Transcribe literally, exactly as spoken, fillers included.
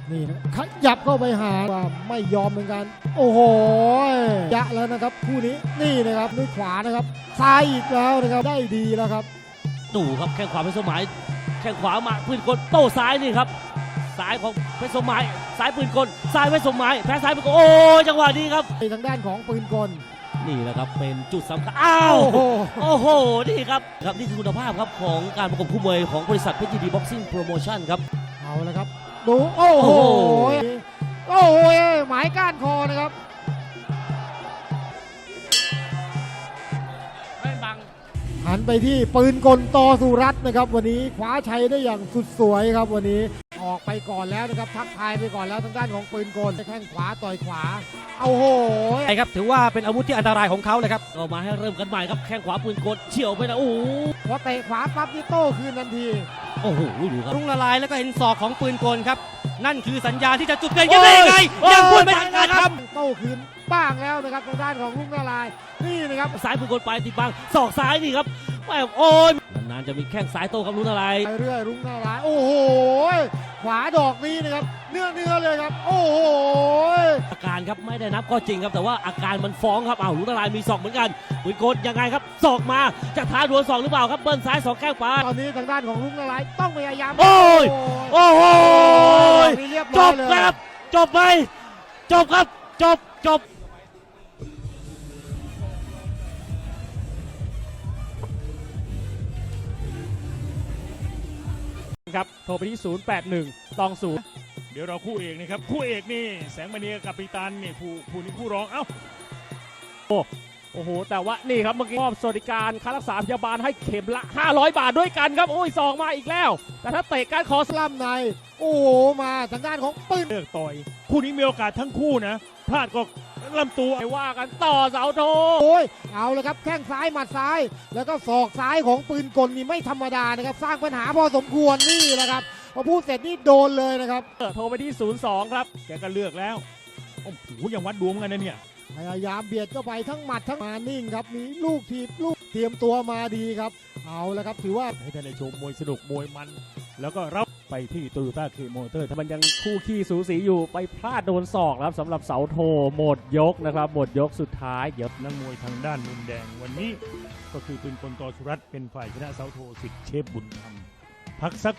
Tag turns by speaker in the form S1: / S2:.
S1: นี่นะขยับเข้าไปหาว่าไม่ยอมเหมือนกันโอ้โหยะแล้วนะครับคู่นี้นี่นะครับด้วยขวานะครับซ้ายอีกแล้วนะครับได้ดีแล้วครับ
S2: ดูครับแข้งขวาเพชรสมัยแข้งขวามาปืนกลโต้ซ้ายนี่ครับซ้ายของเพชรสมัยซ้ายปืนกลซ้ายเพชรสมัยแพ้ซ้ายปืนกลโอ้จังหวะนี้ครับ
S1: ทางด้านของปืนกล
S2: นี่แหละครับเป็นจุดสำคัญอ้าวโอ้โหนี่ครับครับนี่คือคุณภาพครับของการประกบคู่มวยของบริษัทเพชรยินดีบ็อกซิ่งโปรโมชั่นครับ
S1: เอาละครับดูโอ้โหโอ้โหหมายก้านคอนะครับหันไปที่ปืนกลตอสุรัตน์นะครับวันนี้คว้าชัยได้อย่างสุดสวยครับวันนี้ออกไปก่อนแล้วนะครับทักทายไปก่อนแล้วทางด้านของปืนกลแข้งขวาต่อยขวาเอาโห
S3: ใช่ครับถือว่าเป็นอาวุธที่อันตรายของเขาเลยครับ
S2: ก็มาให้เริ่มกันใหม่ครับแข้งขวาปืนกลเฉียวไปนะโอ้โห
S1: พอเตะขวาปั๊บนี่โต้คืนทันที
S2: โอ้โหดูครับ
S3: รุ่งละลายแล้วก็เห็นศอกของปืนกลครับนั่นคือสัญญาณที่จะจุดเกินกันได้ยังไงยังพูดไม่ทันการท
S1: ำโต้คืนบ้างแล้วนะครับทางด้านของรุ่งละลายนี่นะครับ
S2: ซ้ายปืนกลไปติดบังศอกซ้ายนี่ครับโอ้ยนานๆจะมีแข้งซ้ายโต้ครับรุ่งละลาย
S1: ไปเรื่อยรุ่งละลายโอ้โหขวาดอกนี้นะครับเนื้อเนื้อเลยครับโอ้โห
S2: อาการครับไม่ได้นับก็จริงครับแต่ว่าอาการมันฟ้องครับอ้าวรุ่งละลายมีศอกเหมือนกันปืนกลยังไงครับศอกมาจะท้าดวลศอกหรือเปล่าครับเบิ้ลซ้ายสองแข้งขวา
S1: ตอนนี้ทางด้านของรุ่งละลายต้องพยายาม
S2: โอ้ยโอ้โหจบครับจบไปจบครับจบจบ
S4: ครับโทรไปที่ศูนย์ แปด หนึ่ง สอง ศูนย์
S5: เดี๋ยวเราคู่เอกนะครับคู่เอกนี่แสงมณีกับปิตันนี่ผู้ผู้นี้คู่ร้องเอ้า
S4: โอ้โอ้โหแต่ว่านี่ครับเมื่อกี้มอบสวัสดิการค่ารักษาพยาบาลให้เข็มละห้าร้อยบาทด้วยกันครับโอ้ยสองมาอีกแล้วแต่ถ้าเตะการคอสลัมใน
S1: โอ้โหมาทางด้านของปืน
S5: เลือกต่อยคู่นี้มีโอกาสทั้งคู่นะพลาดก็ลำตัว
S4: ไปว่ากันต่อเสาโท
S1: โอ้ยเอาเลยครับแข้งซ้ายหมัดซ้ายแล้วก็ศอกซ้ายของปืนกลนี่ไม่ธรรมดานะครับสร้างปัญหาพอสมควรนี่แหละครับพอพูดเสร็จนี่โดนเลยนะครับ
S4: โทรไปที่ศูนย์ สอง ครับ
S5: แกก็เลือกแล้วโอ้โหยังวัดดวงกันนะเนี่ย
S1: พยายามเบียดเข้าไปทั้งหมัดทั้งมานิ่งครับมีลูกทีบลูกเตรียมตัวมาดีครับเอาละครับถือว่า
S5: ให้ท่านได้ชมมวยสนุกมวยมันแล้วก็รับไปที่โตโยต้าเคมอเตอร์
S4: มันยังคู่ขี้สูสีอยู่ไปพลาดโดนศอกครับสำหรับเสาโทหมดยกนะครับหมดยกสุดท้าย
S5: เดี๋ยวนักมวยทางด้านมุมแดงวันนี้ก็คือปืนกลตอสุรัตน์เป็นฝ่ายชนะเสาโทสิทธิ์เชฟบุญธรรมพักสัก